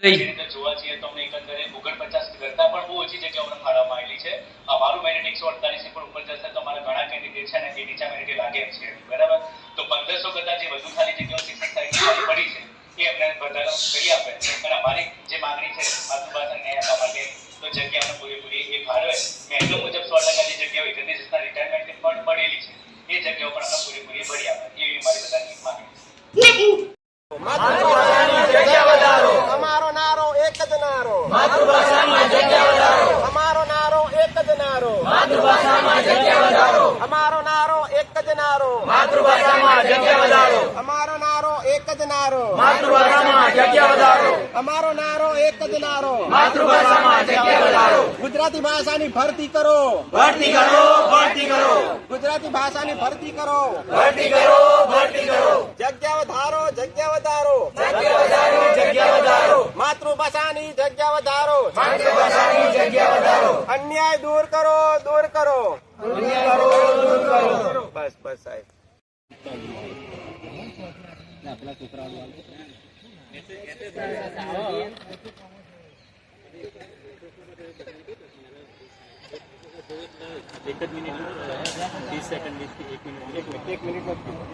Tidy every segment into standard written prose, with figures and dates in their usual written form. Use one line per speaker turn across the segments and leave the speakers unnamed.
જોવા જઈએ તો અમને એકંદરે 49 કરતા પણ બહુ ઓછી જગ્યાઓ અમને ફાળવવામાં આવેલી છે. અમારું મેરિટ 148 ની પણ ઉપર જશે તો અમારા ઘણા કેન્ડિડેટ છે ને એ નીચા મેરિટે લાગે છે, બરાબર. તો 1500 કરતા જે વધુ ખાલી જગ્યાઓ શિક્ષક સાહેબ પડી છે એ અમને વધારો કરી આપે અને અમારી જે માંગણી છે માતૃભાષા ન્યાય આપવા માટે તો જગ્યા અમને પૂરેપૂરી એ ફાળવે. મેન્ડો મુજબ 100% જે જગ્યાઓ 31 રિટાયરમેન્ટ પણ પડેલી છે એ જગ્યાઓ પણ અમને પૂરેપૂરી ભરી આપે એવી અમારી બધાની માંગણી છે.
માતૃભાષાની જગ્યા વધારો. અમારો નારો એક જ નારો. માતૃભાષામાં જગ્યા વધારો. અમારો નારો એક જ નારો. માતૃભાષામાં જગ્યા વધારો. અમારો નારો એક જ નારો. માતૃભાષામાં જગ્યા વધારો. અમારો નારો એક જ નારો. માતૃભાષામાં જગ્યા વધારો. અમારો નારો એક જ નારો. માતૃભાષામાં જગ્યા વધારો. ગુજરાતી ભાષાની ભરતી કરો. ભરતી કરો. ભરતી કરો. ગુજરાતી ભાષાની ભરતી કરો. ભરતી કરો. ભરતી કરો. જગ્યા વધારો. જગ્યા વધારો. જગ્યા વધારો. જગ્યા વધારો. માતૃભાષાની જગ્યા વધારો. માતૃભાષાની જગ્યા વધારો. અન્યાય દૂર કરો. દૂર કરો. અન્યાય કરો. દૂર કરો. બસ બસ સાહેબ. આપણા છોકરાઓ એક જ મિનિટ 30 સેકન્ડ 1 મિનિટ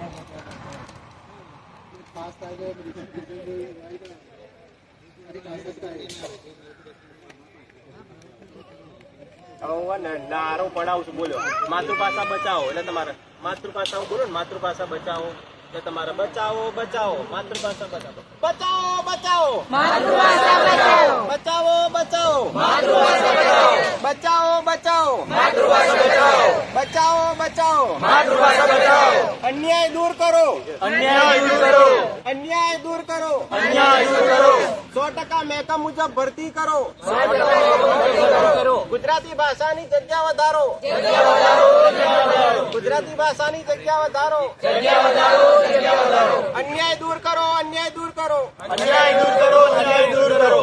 નારો પડાવું છું. બોલો માતૃભાષા બચાવો એટલે તમારે માતૃભાષા બોલો ને માતૃભાષા બચાવો એટલે તમારે બચાવો બચાવો માતૃભાષા બચાવો બચાવો બચાવો માતૃભાષા બચાવો બચાવો બચાવો માતૃભાષા બચાવો બચાવો બચાવો માતૃભાષા બચાવો બચાવો બચાવો માતૃભાષા બચાવો. અન્યાય દૂર કરો. અન્યાય દૂર કરો. અન્યાય દૂર કરો. અન્યાય દૂર કરો. 100% મહેકમ મુજબ ભરતી કરો. 100% કરો. ગુજરાતી ભાષાની જગ્યા વધારો. જગ્યા વધારો. જગ્યા વધારો. ગુજરાતી ભાષાની જગ્યા વધારો. જગ્યા વધારો. જગ્યા વધારો. અન્યાય દૂર કરો. અન્યાય દૂર કરો. અન્યાય દૂર કરો. અન્યાય દૂર કરો.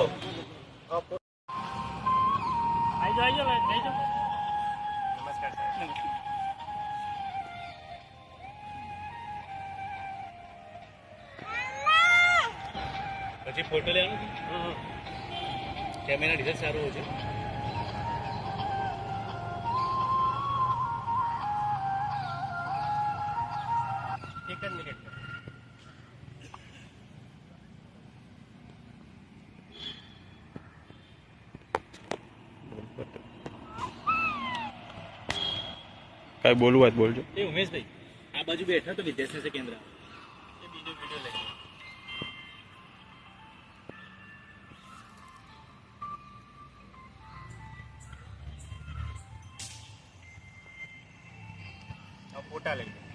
નમસ્કાર સાહેબ. પછી ફોટો લેવાનો કેમેરા રિઝલ્ટ સારું હોય છે. એક જ મિનિટ.
કઈ બોલવું હોય બોલજો.
એ ઉમેશભાઈ આ બાજુ બેઠા તો વિદ્યાશાસ્ત્ર કેન્દ્ર એ બીજો વિડિયો લઈ
ફોટા લઈ